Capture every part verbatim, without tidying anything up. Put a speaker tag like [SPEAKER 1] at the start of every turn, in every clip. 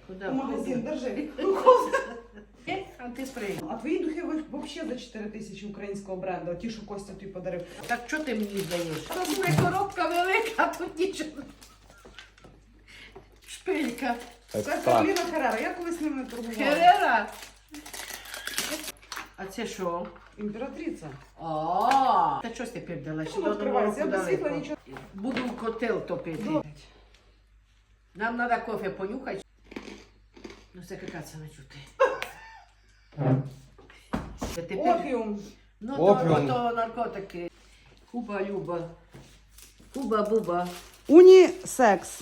[SPEAKER 1] Куда?
[SPEAKER 2] У магазин, держи.
[SPEAKER 1] А ти сприйняв.
[SPEAKER 2] А твої духи взагалі за чотири тисячі українського бренду, ті, що Костя тобі подарив.
[SPEAKER 1] Так що ти мені даєш? Та своя коробка велика, а тут нічого. Шпилька.
[SPEAKER 2] Це Кароліна Херера, я колись ними торгувала.
[SPEAKER 1] Херера? А це що?
[SPEAKER 2] Імператриця.
[SPEAKER 1] А, та щось тепер дала? Ще
[SPEAKER 2] Ну,
[SPEAKER 1] до
[SPEAKER 2] відкривається,
[SPEAKER 1] Нового
[SPEAKER 2] я без світла
[SPEAKER 1] далеко.
[SPEAKER 2] нічого.
[SPEAKER 1] Буду в котел топити.
[SPEAKER 2] Ну.
[SPEAKER 1] Нам треба кофе понюхати. Ну це какаться не чути. Це тепер...
[SPEAKER 2] Опіум.
[SPEAKER 1] Ну
[SPEAKER 3] Опіум.
[SPEAKER 1] то, то наркотики. Хуба-люба. Хуба-буба.
[SPEAKER 2] Унісекс.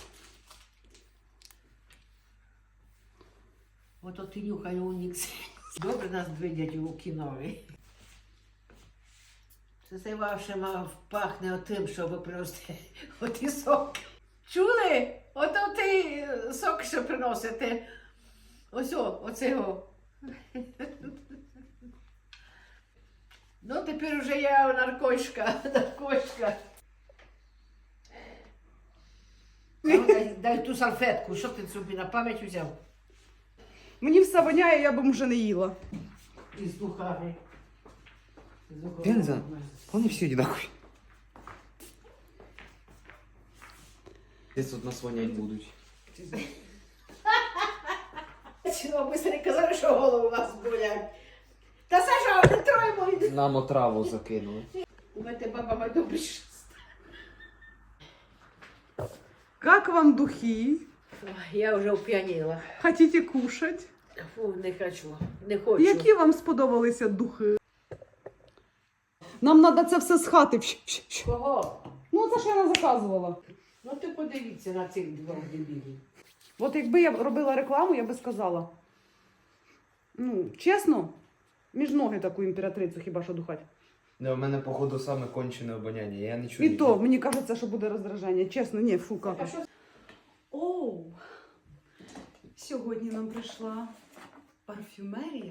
[SPEAKER 1] Ото ти нюхай унікс. Добре нас двидять у кінові. Це це ваше мав пахне отим, щоб просто оті сок. Чули? Ото ти сок, що приносите. Ось о, оцього. Ну, тепер вже я наркошка, наркошка. А ну, дай, дай ту салфетку, що ти собі на пам'ять взяв?
[SPEAKER 2] Мені все воняє, я б вже не їла.
[SPEAKER 1] Із духами. Із духами.
[SPEAKER 3] Пенза? Вони всі одинакові. Десь тут нас вонять будуть.
[SPEAKER 1] Чого ви не казали, що голову у вас болять? Та Саша, не троє мої.
[SPEAKER 3] Нам отраву закинули.
[SPEAKER 1] У мене баба моя добре щас.
[SPEAKER 2] Как вам духи?
[SPEAKER 1] Я вже оп'яніла.
[SPEAKER 2] Хотите кушать?
[SPEAKER 1] Фу, не хочу, не хочу.
[SPEAKER 2] Які вам сподобалися духи? Нам треба це все з хати.
[SPEAKER 1] Кого?
[SPEAKER 2] Ну, це ж я не заказувала.
[SPEAKER 1] Ну ти подивіться на цих двох дебілів.
[SPEAKER 2] От якби я робила рекламу, я би сказала. Ну, чесно, між ноги таку імператрицю хіба що духать.
[SPEAKER 3] Не, у мене, походу, саме кончене обоняння. Я не чую.
[SPEAKER 2] І то, мені кажеться, що буде роздражання. Чесно, ні, фу,
[SPEAKER 1] А
[SPEAKER 2] как.
[SPEAKER 1] що?
[SPEAKER 2] Оу! Сьогодні нам прийшла парфюмерія.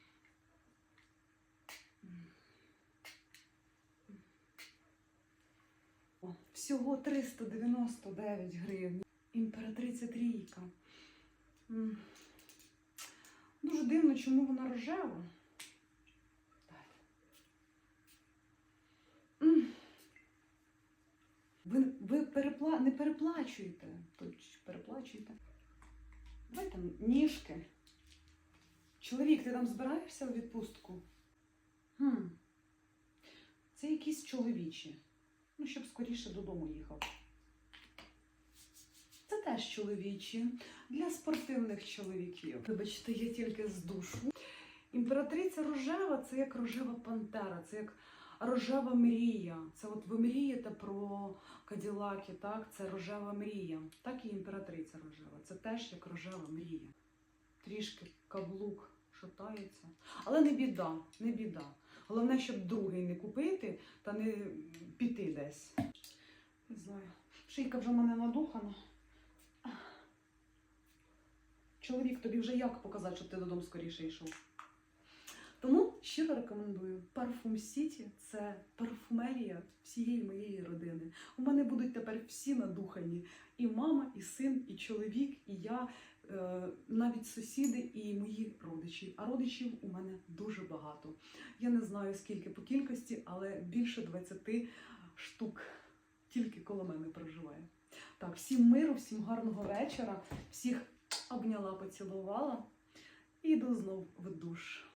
[SPEAKER 2] О, всього триста дев'яносто дев'ять гривень. Імператриця трійка. М. Дуже дивно, чому вона рожева. М. Ви, ви перепла... не переплачуєте. Тут переплачуєте. Давайте ніжки. Чоловік, ти там збираєшся у відпустку? Хм. Це якісь чоловічі. Ну, щоб скоріше додому їхав. Це теж чоловічі. Для спортивних чоловіків. Вибачте, я тільки з душу. Імператриця рожева – це як рожева пантера, це як рожева мрія. Це от ви мрієте про каділаки, так? Це рожева мрія. Так і імператриця рожева. Це теж як рожева мрія. Трішки каблук шатається. Але не біда, не біда. Головне, щоб другий не купити та не піти десь. Не знаю. Шийка вже в мене надухана. Чоловік, тобі вже як показати, щоб ти додому скоріше йшов? Тому щиро рекомендую. Парфум Сіті – це парфумерія всієї моєї родини. У мене будуть тепер всі надухані. І мама, і син, і чоловік, і я, е, навіть сусіди і мої родичі. А родичів у мене дуже багато. Я не знаю, скільки по кількості, але більше двадцяти штук тільки коло мене проживає. Так, всім миру, всім гарного вечора. Всіх обняла, поцілувала і йду знов в душ.